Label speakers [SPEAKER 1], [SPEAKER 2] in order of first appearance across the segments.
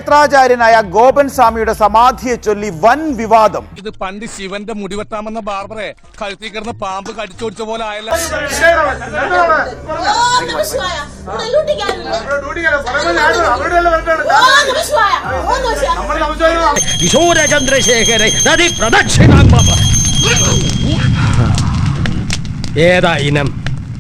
[SPEAKER 1] ക്ഷേത്രാചാര്യനായ ഗോപൻ സ്വാമിയുടെ സമാധിയെ ചൊല്ലി വൻ വിവാദം.
[SPEAKER 2] ഇത് പണ്ട് ശിവന്റെ മുടിവെട്ടാമെന്ന ബാർബറെ കഴുത്തിൽ കിടന്ന് പാമ്പ് കടിച്ചോടിച്ച പോലെ ആയല്ല.
[SPEAKER 3] കിശോര ചന്ദ്രശേഖര നദി പ്രദക്ഷിണാം ഏതാ ഇനം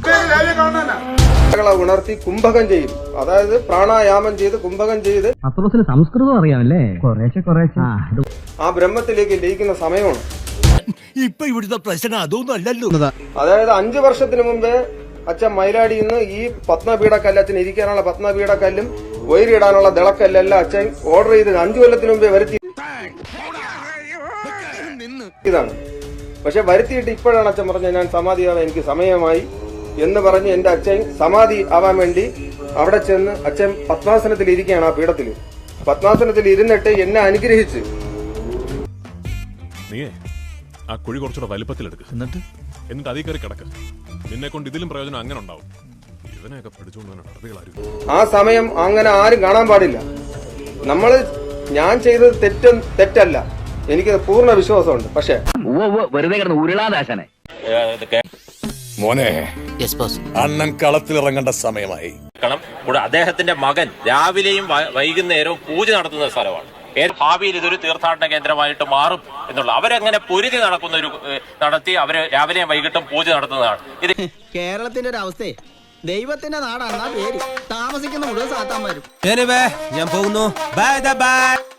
[SPEAKER 4] ഉണർത്തി കുംഭകം ചെയ്യും. അതായത് പ്രാണായാമം ചെയ്ത് കുംഭകം ചെയ്ത്
[SPEAKER 3] സംസ്കൃതം അറിയാമല്ലേ കുറേശ്ശെ
[SPEAKER 4] ആ ബ്രഹ്മത്തിലേക്ക് ലയിക്കുന്ന സമയമാണ്.
[SPEAKER 3] ഇപ്പൊ ഇവിടുത്തെ പ്രശ്നം അതൊന്നും അല്ലല്ലോ.
[SPEAKER 4] അതായത് 5 വർഷത്തിന് മുമ്പേ അച്ഛൻ മൈലാടിയിൽ നിന്ന് ഈ പത്മപീഠക്കല്ല് അച്ഛൻ ഇരിക്കാനുള്ള പത്മപീഠക്കല്ലും വയറിടാനുള്ള ദിളക്കല്ലെല്ലാം അച്ഛൻ ഓർഡർ ചെയ്ത് 5 കൊല്ലത്തിന് മുമ്പേ വരുത്തി ഇതാണ്. പക്ഷെ വരുത്തിയിട്ട് ഇപ്പോഴാണ് അച്ഛൻ പറഞ്ഞത് ഞാൻ സമാധിയാവാൻ എനിക്ക് സമയമായി എന്ന് പറഞ്ഞ് എന്റെ അച്ഛൻ സമാധി ആവാൻ വേണ്ടി അവിടെ ചെന്ന് അച്ഛൻ പത്മാസനത്തിൽ ഇരിക്കുകയാണ്. ആ പീഠത്തിൽ പത്മാസനത്തിൽ ഇരുന്നിട്ട് എന്നെ അനുഗ്രഹിച്ച്
[SPEAKER 5] നീയേ ആ കുഴി കുറച്ചുകൂടെ വലിപ്പത്തിലെടുക്കുക, എന്നിട്ട് അതേ കയറി കിടക്കുക. നിന്നെ കൊണ്ട് ഇതിലും പ്രയോജനം അങ്ങനെ ഉണ്ടാവും. ഇവനെയൊക്കെ പഠിച്ചുകൊണ്ട്
[SPEAKER 4] ആ സമയം അങ്ങനെ ആരും കാണാൻ പാടില്ല. ഞാൻ ചെയ്തത് തെറ്റല്ല, എനിക്ക് പൂർണ്ണ വിശ്വാസമുണ്ട്. പക്ഷെ
[SPEAKER 3] വെറുതെ കിടന്ന് ഉരുളാദാശനെ
[SPEAKER 6] മോനെ അണ്ണൻ കളത്തിലിറങ്ങേണ്ട സമയമായി.
[SPEAKER 7] കൂടെ അദ്ദേഹത്തിന്റെ മകൻ രാവിലെയും വൈകുന്നേരവും പൂജ നടത്തുന്ന സ്ഥലമാണ്. ഭാവിയിൽ ഇതൊരു തീർത്ഥാടന കേന്ദ്രമായിട്ട് മാറും എന്നുള്ള അവരങ്ങനെ പൊരുതി നടത്തി അവര് രാവിലെയും വൈകിട്ടും പൂജ നടത്തുന്നതാണ്. ഇത്
[SPEAKER 8] കേരളത്തിന്റെ ഒരു അവസ്ഥയെ ദൈവത്തിന്റെ നാടാണെന്നാ പേര്. താമസിക്കുന്ന മുഴുവൻ സാത്താന്മാരും.
[SPEAKER 3] ഞാൻ പോകുന്നു. ബൈ.